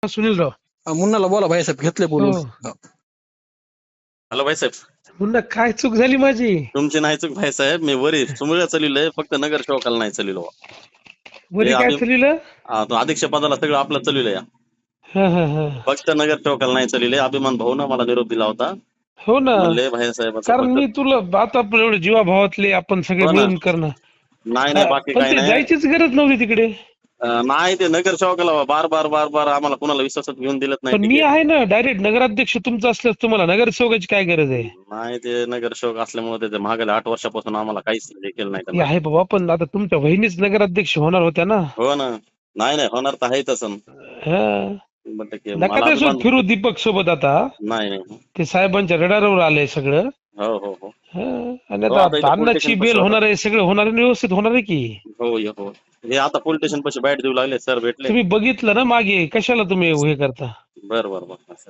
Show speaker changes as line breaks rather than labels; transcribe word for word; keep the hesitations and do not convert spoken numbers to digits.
सुनीलराव
हा, मुन्नाला बोला भाईसाहेब, घेतले बोलून.
हो.
हा.
हॅलो भाईसाहेब,
मुन्ना काय चूक झाली माझी?
तुमची नाही चूक भाईसाहेब. मी वरी चुमळ्या चाललोय, फक्त नगर सेवकाला नाही चाललो.
वरी काय चाललं?
अध्यक्ष पदाला सगळं आपलं चाललोय.
हा हा हा
फक्त नगर सेवकाला नाही चालले. अभिमान भाऊन मला निरोप दिला होता.
हो ना,
म्हणले भाईसाहेबाचं
कारण
फक्त
मी तुला आता आपण एवढे जीवाभावातले आपण सगळे
हो ना.
मिळून करणं.
नाही नाही बाकी
पण
काही
ते
नाही.
जायचीच गरज नव्हती तिकडे.
अं, नाही ते नगर सेवकाला बार बार बार बार आम्हाला कुणाला विश्वासात घेऊन दिलत नाही
पण मी
तिकीट.
आहे ना, डायरेक्ट नगराध्यक्ष तुमचं असल्यास तुम्हाला नगरसेवकाची काय गरज आहे?
नाही ते नगर सेवक असल्यामुळे ते मागल्या आठ वर्षापासून आम्हाला काहीच हे केलं नाही
हे
त्यांना.
आहे बाबा, पण आता तुमच्या बहिणीच नगराध्यक्ष होणार होत्या ना.
हो ना. नाही नाही होणार तर आहे तसं.
हा.
शंभर टक्के
नका
मला
त्यासोबत
अभिमान.
फिरू दीपक सोबत आता.
नाही नाही.
ते साहेबांच्या रडारवर आलंय सगळं.
हो हो हो
हा. आणि
हो, आता इथं
आता
पोलीस
अन्नाची
स्टेशन
बेल
पाशी
होणार आहे, सगळं होणार आहे, व्यवस्थित होणार आहे की.
हो ये हो. हे आता पोलीस स्टेशन पाशी बाईट देऊ लागले, सर भेटले.
तुम्ही बघितलं ना मागे, कशाला तुम्ही हे करता?
बर बर बर